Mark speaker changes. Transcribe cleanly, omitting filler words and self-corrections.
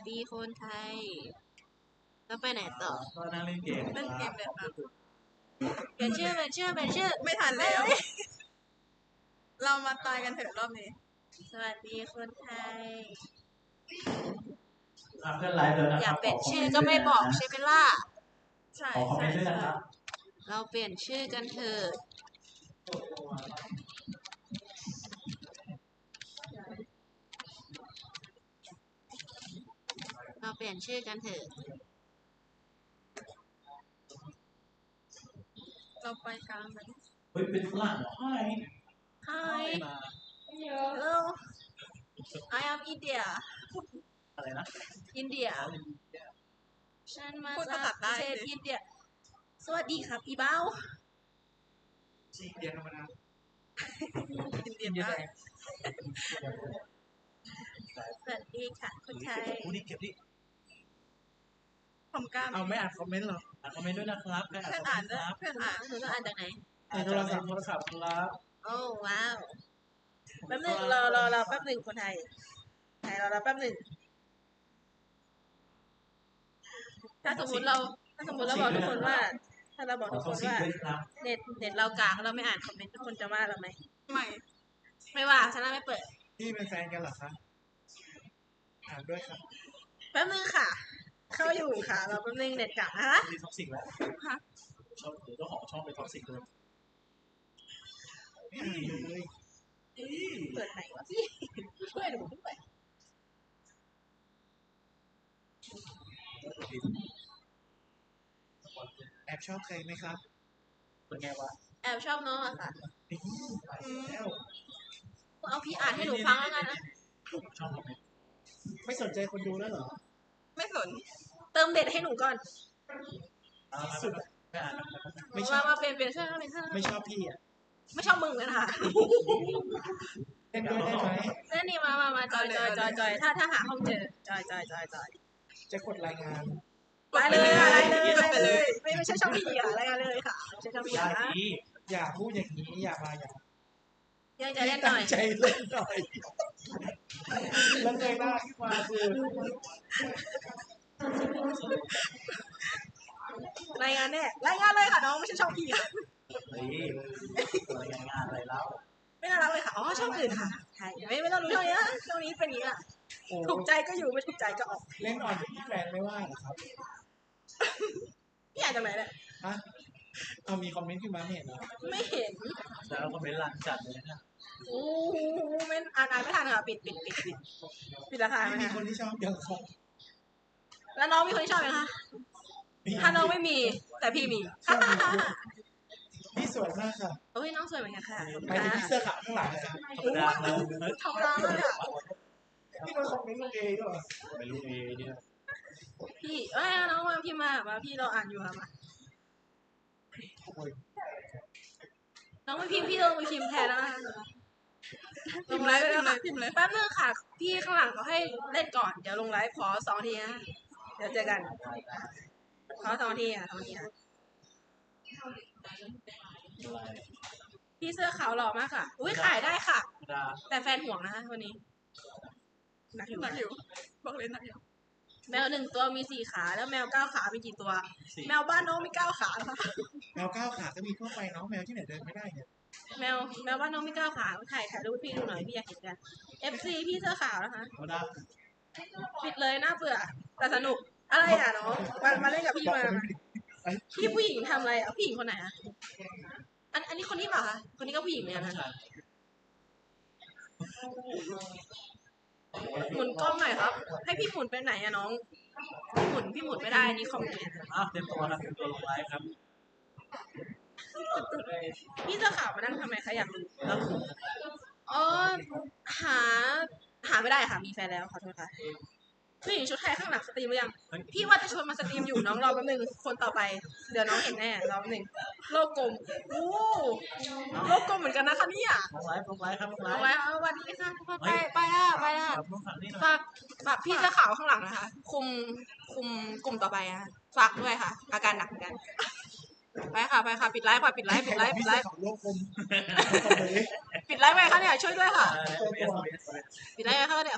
Speaker 1: ดีคนไทยแล้วไปไหนต่อ
Speaker 2: ก็นั่งเล่นเกม
Speaker 3: เล่นเกมเลยครับ
Speaker 1: เปลี่ยนชื่อ
Speaker 3: ไม่ทันแล้ว เรามาตายกันเถอะรอบนี้
Speaker 1: สวัสดีคนไทย
Speaker 2: เพื่อนไลฟ์แล้วนะ
Speaker 1: อ
Speaker 2: ค
Speaker 1: ยา
Speaker 2: รั
Speaker 1: ก
Speaker 2: บ
Speaker 1: เปลี่ยนชื่อก็ไม่บอกใช่ไหมล่ะ
Speaker 3: ใช่
Speaker 2: ขอคอมเม
Speaker 3: ใช่
Speaker 2: นต์ด้วย
Speaker 3: ใช่
Speaker 2: นะครับ
Speaker 1: เราเปลี่ยนชื่อกันเถอะเราเปลี่ยนชื่อกันเถอะ
Speaker 3: เราไปกลางกัน
Speaker 2: เฮ้ยเป็นฝรั่งเหรอใช่
Speaker 1: Hi hello I am India
Speaker 2: อะไรนะ
Speaker 1: India ฉันมา
Speaker 3: พูด
Speaker 1: จา
Speaker 3: ภาษาก
Speaker 1: ป
Speaker 3: ใต้
Speaker 1: ระเทศ
Speaker 3: สิ
Speaker 1: อินเดียสวัสดีครับอีเบ้า
Speaker 2: จีเดียธรรมดา
Speaker 3: อินเดียใต้
Speaker 1: สวัสดีค่ะคนไทย
Speaker 2: กูนี่เก็บดิ
Speaker 3: ผมกล้าม
Speaker 4: เอาไม่อ่านคอมเมนต์เหรอ
Speaker 2: อ่านคอมเมนต์ด้วยนะครับใคร
Speaker 3: เพื่อน
Speaker 2: อ่า
Speaker 3: อ่าน น
Speaker 2: คอมเมนต์
Speaker 3: ด้วย
Speaker 2: ครับ
Speaker 3: เพื่อนอ่าน
Speaker 1: หนูต้องอ่านจากไหน
Speaker 4: ในโทรศัพท์
Speaker 2: ครับ
Speaker 1: โอ้ว้าวแป๊บหนึงรอแป๊บหนึ่งคนไทยรอแป๊บหนึ่งถ้าสมมติเราบอกทุกคนว่า ถ้าเราบอก
Speaker 2: ขอ
Speaker 1: ทุก
Speaker 2: ข
Speaker 1: ค
Speaker 2: อน ซิก
Speaker 1: ว่า
Speaker 2: ด้วยครับ
Speaker 1: เน็ตเรากากเราไม่อ่านคอมเมนต์ทุกคนจะว่าเราไหม
Speaker 3: ไม่
Speaker 1: ไม่ว่าฉันไม่เปิด
Speaker 4: พี่เป็นแฟนกันเหรอคะอ่านด้วยครับ
Speaker 1: แป๊บนึงค่ะ เข้าอยู่ค่ะเราแป๊บนึงเน็ตกากนะคะ
Speaker 2: มีท็อกซิกแล้ว
Speaker 3: ฮะ
Speaker 2: ชอบเจ้าของช่องเป็นท็อกซิกเลย
Speaker 4: ไม่อ่านเลย
Speaker 1: เปิดไหนวะพี่ช่วยหนูด้วย
Speaker 4: แอบชอบใครไหมครับ
Speaker 2: เป็นไงวะ
Speaker 1: แอบชอบน้องอะค่ะ
Speaker 4: แล้ว
Speaker 1: เอาพี่อ่านให้หนูฟังแล้วกันนะ
Speaker 2: ช่องคอมเมนต์
Speaker 4: ไม่สนใจคนดูแล้วเหรอ
Speaker 3: ไม่สน
Speaker 1: เติมเด็ดให้หนูก่อน
Speaker 2: ไม่อ่านนะ
Speaker 4: ไม่ชอบ
Speaker 1: มาเป็นเสื้อเป็นเสื้อ
Speaker 4: ไม่ชอบพี่อ่ะ
Speaker 1: ไม่ชอบมึงเลยค่ะ
Speaker 4: เล่นด้วยได้ไหม
Speaker 1: เล่นนี่มาจอยถ้าหาห้องเจอจอย
Speaker 4: จะกดรายงาน
Speaker 1: ไปเลย
Speaker 3: ไปเลย
Speaker 1: ไม่ใช่ชอบพี่ค่ะอะไรกันเลยค่ะไม่ใช่ชอบพี่
Speaker 2: ได้
Speaker 1: นะ
Speaker 2: ดี
Speaker 4: อย่าพูดอย่างนี้อย่ามาอย่าง
Speaker 1: ยังจะเล่นหน่
Speaker 4: ตั้
Speaker 1: อง ย
Speaker 4: ใจเล่นหน่อยแล้วเงยหน้าขึ้นมาคือ
Speaker 1: รายงานแน่รายงานเลยค่ะน้องไม่ใช่ชอบพี่ค่ะ
Speaker 2: เฮ้ยอะไรงานอะไรแล้ว
Speaker 1: ไม่น่ารักเลยค่ะอ๋อชอบอื่นค่ะใช่ไม่ต้องรู้ช่วงนี้นะช่วงนี้เป็นอย่างนี้อ่ะ
Speaker 4: โอ้
Speaker 1: ถูกใจก็อยู่ไม่ถูกใจก็ออก
Speaker 4: เล่นอ่อนอย่างที่แฟนไม่ว่าเหรอครับ
Speaker 1: พี่อ่านจากไหนเนี่ย
Speaker 4: ฮะเอามีคอมเมนต์ขึ้นมาไม่เห็นเหรอ
Speaker 1: ไม่เห็น
Speaker 2: แล้วคอมเมนต์หลังจัดเลยนะ
Speaker 1: โอ้โหไม่อ่านไม่ทันค่ะปิดราคาไหม
Speaker 4: ไม่มี
Speaker 1: คะ
Speaker 4: คนที่ชอบยังครับ
Speaker 1: แล้วน้องมีคนที่ชอบไหมคะถ้าน้องไม่มีแต่พี่มี
Speaker 4: ชอบมีเยอะพี่สวยมากค่ะ
Speaker 1: โอ้ยน้องสวยเหมือนกันค่ะ
Speaker 4: หมายถึงพี่เสื้อขาวข้างหลังนะครับ
Speaker 2: ธรรมดาแล้ว
Speaker 1: ธรรมดามากค่ะ
Speaker 4: พี่มาคอมเมนต์ลงเองด้วยเหรอ
Speaker 2: ไม่รู้เอเนี่ย
Speaker 1: พี่น้องมาพี่มาพี่เราอ่านอยู่ค่ะมา
Speaker 4: โอ้ย
Speaker 1: น้องไม่พิมพ์พี่เราไปพิมพ์แทนแล้วนะคะ
Speaker 3: พิมพ์เลยพิมพ์เลย
Speaker 1: แป๊บนึงค่ะ พี่ข้างหลังเขาให้เล่นก่อนเดี๋ยวลงไลฟ์ขอ2 ทีนะเดี๋ยวเจอกันขอ2 ทีอ่ะ2 ทีนะพี่เสื้อขาวหล่อมากค่ะอุ้ยขายได้ค่ะ
Speaker 2: ธรรมดา
Speaker 1: แต่แฟนห่วงนะคะวันนี้หนักอยู่
Speaker 3: หนักอยู่บอกเลยหนักอยู่
Speaker 1: แมว1 ตัวมี4 ขาแล้วแมว9 ขามีกี่ตัว
Speaker 2: สี่
Speaker 1: แมวบ้านน้องมี9 ขาค่ะ
Speaker 4: แมวก้าวขาก็มีทั่วไปเนาะแมวที่ไหนเดินไม่ได้เนี่ย
Speaker 1: แมวบ้านน้องมี9 ขาถ่ายรูปพี่ดูหน่อยพี่อยากเห็นกัน FC พี่เสื้อขาวนะคะ
Speaker 2: ธรรมดา
Speaker 1: ปิดเลยน่าเบื่อแต่สนุกอะไรอ่ะน้องมาเล่นกับพี่มาพี่ผู้หญิงทำอะไรอ่ะผู้หญิงคนไหนอ่ะอันนี้คนนี้เปล่าคะคนนี้ก็ผู้หญิงเนี่ยนะหมุนกล้องหน่อยครับ ให้พี่หมุนไปไหนอะน้องพี่หมุนไม่ได้นี่คอมเมนต์
Speaker 2: เต็มตัวครับเต็มตัวลงไลฟ์ครับ
Speaker 1: พี่เสื้อขาวมานั่งทำไมคะอยากรู้
Speaker 2: แล้ว
Speaker 1: อ๋อหาไม่ได้ค่ะมีแฟนแล้วขอโทษค่ะผู้หญิงชุดไทยข้างหลังสตรีมหรือยังพี่ว่าจะชวนมาสตรีมอยู่น้องรอแป๊บนึงคนต่อไปเดี๋ยวน้องเห็นแน่รอแป๊บนึงโลกกลมโอ้โลกกลมเหมือนกันนะคะเนี่ย
Speaker 2: ลงไลฟ์ครับลงไล
Speaker 1: เอา
Speaker 2: ฟ์
Speaker 1: ไว้เอาวันนี้ค่ะทุกคนไปละ
Speaker 2: ครับต้องฝั่งนี้หน่อย
Speaker 1: ฝากพี่เสื้อขาวข้างหลังนะคะ คุมกลุ่มต่อไปอะฝากด้วยค่ะ อาการหนักเหมือนกันไปค่ะปิดไลฟ์
Speaker 4: พี่
Speaker 1: ปิดไลฟ์
Speaker 4: เสื้อขาวโลกกลม
Speaker 1: ปิดไลฟ์ไปค่ะเนี่ยช่วยด้วยค่ะ
Speaker 2: เอส
Speaker 1: ปิดไลฟ์ไปค่ะเนี่ย